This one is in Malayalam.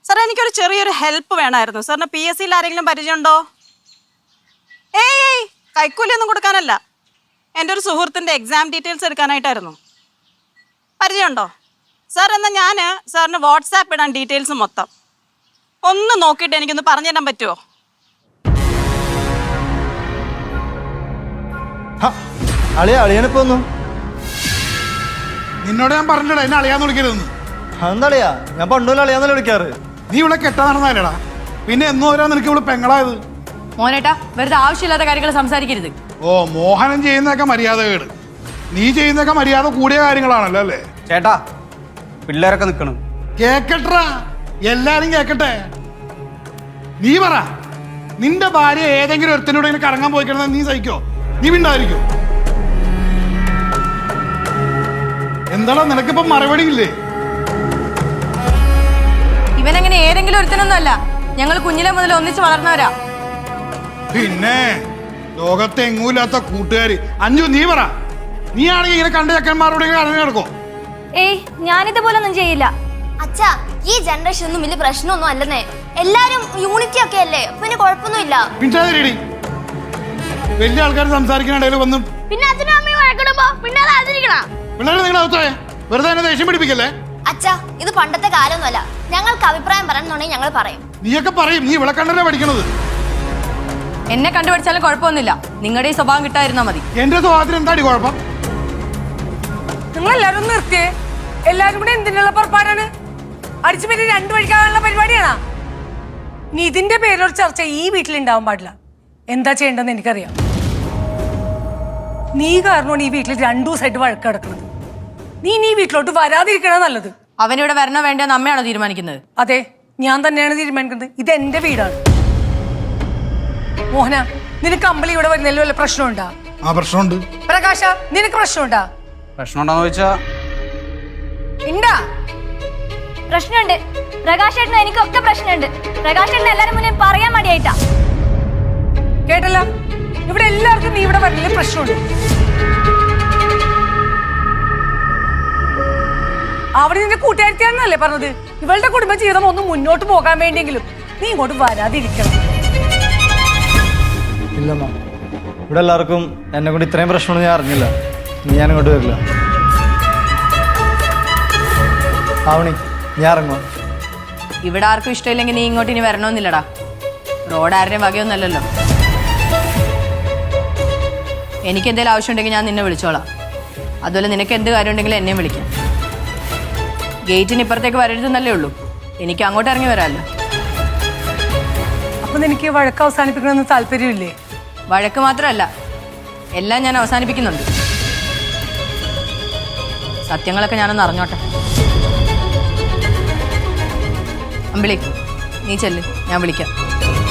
സാറേ എനിക്കൊരു ചെറിയൊരു ഹെൽപ്പ് വേണമായിരുന്നു. സാറിന് PSCയിൽ ആരെങ്കിലും പരിചയമുണ്ടോ? ഏയ് കൈക്കൂലിയൊന്നും കൊടുക്കാനല്ല, എൻ്റെ ഒരു സുഹൃത്തിൻ്റെ എക്സാം ഡീറ്റെയിൽസ് എടുക്കാനായിട്ടായിരുന്നു. പരിചയമുണ്ടോ സാർ? എന്നാൽ ഞാൻ സാറിന് വാട്സാപ്പ് ഇടാൻ ഡീറ്റെയിൽസ് മൊത്തം ഒന്ന് നോക്കിയിട്ട് എനിക്കൊന്ന് പറഞ്ഞു തരാൻ പറ്റുമോ? അളിയാണിപ്പോ ഒന്നും നിന്നോട് ഞാൻ പറഞ്ഞില്ലടാ എന്നെ അളിയാന്ന് വിളിക്കരുതെന്ന്. അതെന്താളിയാ? ഞാൻ പണ്ടുപോലെ അളിയാന്നല്ലേ വിളിക്കാറ്. നീ ഇവിടെ കെട്ടാ നടന്നല്ലേടാ, പിന്നെ എന്നോ വരാ നിനക്ക് ഇവിടെ പെങ്ങളായത്. മോനേട്ടാ വെറുതെ ആവശ്യമില്ലാത്ത കാര്യങ്ങൾ സംസാരിക്കരുത്. ഓ, മോഹനം ചെയ്യുന്നതൊക്കെ മര്യാദ കേട്, നീ ചെയ്യുന്നതൊക്കെ മര്യാദ കൂടിയ കാര്യങ്ങളാണല്ലോ അല്ലേ? ചേട്ടാ പിള്ളേരൊക്കെ നിക്കണം. കേക്കട്ടാ, എല്ലാരും കേക്കട്ടെ. നീ പറ, നിന്റെ ഭാര്യ ഏതെങ്കിലും ഒരുത്തനോട് ഇങ്ങനെ കറങ്ങാൻ പോയി കിടന്നാൽ നീ സഹിക്കോ? നീ മിണ്ടായിരിക്കോ? എന്താടാ നിനക്കിപ്പം മറുപടി ഇല്ലേ? ഇവനങ്ങനെ ഏതെങ്കിലും ഒരുത്തനൊന്നും അല്ല, ഞങ്ങൾ കുഞ്ഞിലെ മുതൽ ഒന്നിച്ച് വളർന്നവരാ. പിന്നെ ലോകത്തെ എങ്ങൂല്ലാത്ത കൂട്ടുകാരി. അഞ്ചു നീ പറ, നീ ആണെങ്കിൽ ഇങ്ങനെ കണ്ട ചക്കന്മാരോട് ഇറങ്ങി നടക്കോ? ഏയ് ഞാനിതുപോലൊന്നും ചെയ്യില്ല അച്ഛാ. ഈ ജനറേഷൻ ഒന്നും വലിയ പ്രശ്നമൊന്നും അല്ലെന്നേ, എല്ലാരും യൂണിറ്റി ഒക്കെ അല്ലേ, പിന്നെ കുഴപ്പമൊന്നുമില്ല. പിന്നാതിരി വലിയ ആൾക്കാർ സംസാരിക്കുന്നിടയിൽ വന്നും പിന്നെ അച്ഛനും അമ്മയും വഴക്കിടുമ്പോ പിന്നെ അത് ആചരിക്കണം. പിള്ളേരെ നിങ്ങൾ അകത്തേ വെറുതെ എന്നെ ദേഷ്യം പിടിപ്പിക്കല്ലേ. അച്ഛാ ഇത് പണ്ടത്തെ കാലമൊന്നുമല്ല, ഞങ്ങൾക്ക് അഭിപ്രായം പറയണമെന്നുണ്ടെങ്കിൽ ഞങ്ങൾ പറയും. നീയൊക്കെ പറയും, നീ ഇവിടെ കണ്ടല്ലേ പഠിക്കണത്. എന്നെ കണ്ടുപിടിച്ചാലും കുഴപ്പമൊന്നുമില്ല, നിങ്ങളുടെ ഈ സ്വഭാവം കിട്ടാതിരുന്നാ മതി. എന്റെ സ്വഭാവത്തിന് എന്താടി കുഴപ്പം? നിങ്ങൾ എല്ലാരും നിർത്തിയേ. എല്ലാരും കൂടെ എന്തിനുള്ള പുറപ്പാടാണ്? അടിച്ചു പറ്റി രണ്ടു വഴിക്കാനുള്ള പരിപാടിയാണോ? ഇനി ഇതിന്റെ പേരൊരു ചർച്ച ഈ വീട്ടിൽ ഉണ്ടാവാൻ പാടില്ല. എന്താ ചെയ്യേണ്ടതെന്ന് എനിക്കറിയാം. നീ കാരണമാണ് ഈ വീട്ടിൽ 2 ദിവസമായിട്ട് വഴക്ക് കിടക്കുന്നത്. നീ ഈ വീട്ടിലോട്ട് വരാതിരിക്കണ നല്ലത്. അവനിവിടെ വരണോ വേണ്ടെന്ന് അമ്മയാണോ തീരുമാനിക്കുന്നത്? അതെ, ഞാൻ തന്നെയാണ് തീരുമാനിക്കുന്നത്. ഇത് എന്റെ വീടാണ്. മോഹന, നിനക്ക് അമ്പലി ഇവിടെ വരുന്നതിൽ വല്ല പ്രശ്നമുണ്ടാ? ആ പ്രശ്നമുണ്ട്. പ്രകാശ, നിനക്ക് പ്രശ്നമുണ്ടാ? പ്രശ്നം ഉണ്ടോന്ന് ചോദിച്ചാ ഉണ്ടാ? പ്രശ്നമുണ്ട്. പ്രകാശേട്ടന് എനിക്കൊക്കെ പ്രശ്നമുണ്ട്. പ്രകാശേട്ടന് എല്ലാരും മുന്നേ പറയാൻ മടിയായിട്ടാ. കേട്ടല്ലോ, ഇവിടെ എല്ലാവർക്കും നീ ഇവിടെ വരുന്നതിൽ പ്രശ്നമുണ്ട്. അവിടെ നിന്റെ കൂട്ടുകാരിയാണെന്നല്ലേ പറഞ്ഞത്? ഇവളുടെ കുടുംബജീവിതം ഒന്ന് മുന്നോട്ട് പോകാൻ വേണ്ടിയെങ്കിലും നീ ഇങ്ങോട്ട് വരാതിരിക്കണം. ഇല്ലമ്മ, ഇവിടെ എല്ലാവർക്കും എന്നെ കൊണ്ട് ഇത്രയും പ്രശ്നമൊന്നും ഞാൻ അറിഞ്ഞില്ല. ഞാൻ ഇങ്ങോട്ട് വരില്ല. ആവണി, ഞാൻ ഇറങ്ങുമോ? ഇവിടെ ആർക്കും ഇഷ്ടമില്ലെങ്കിൽ നീ ഇങ്ങോട്ട് ഇനി വരണമെന്നില്ലടാ. റോഡ് ആരുടെയും വകയൊന്നുമല്ലല്ലോ. എനിക്ക് എന്തെങ്കിലും ആവശ്യമുണ്ടെങ്കിൽ ഞാൻ നിന്നെ വിളിച്ചോളാം. അതുപോലെ നിനക്ക് എന്ത് കാര്യം ഉണ്ടെങ്കിലും എന്നെയും വിളിക്കാം. ഗേറ്റിന് ഇപ്പുറത്തേക്ക് വരരുതെന്നല്ലേ ഉള്ളൂ, എനിക്ക് അങ്ങോട്ട് ഇറങ്ങി വരാമല്ലോ. അപ്പൊ നിനക്ക് വഴക്ക് അവസാനിപ്പിക്കണമെന്ന് താല്പര്യമില്ലേ? വഴക്ക് മാത്രമല്ല, എല്ലാം ഞാൻ അവസാനിപ്പിക്കുന്നുണ്ട്. സത്യങ്ങളൊക്കെ ഞാനൊന്ന് അറിഞ്ഞോട്ടെ. അമ്പിളി, നീ ചെല്ല്, ഞാൻ വിളിക്കാം.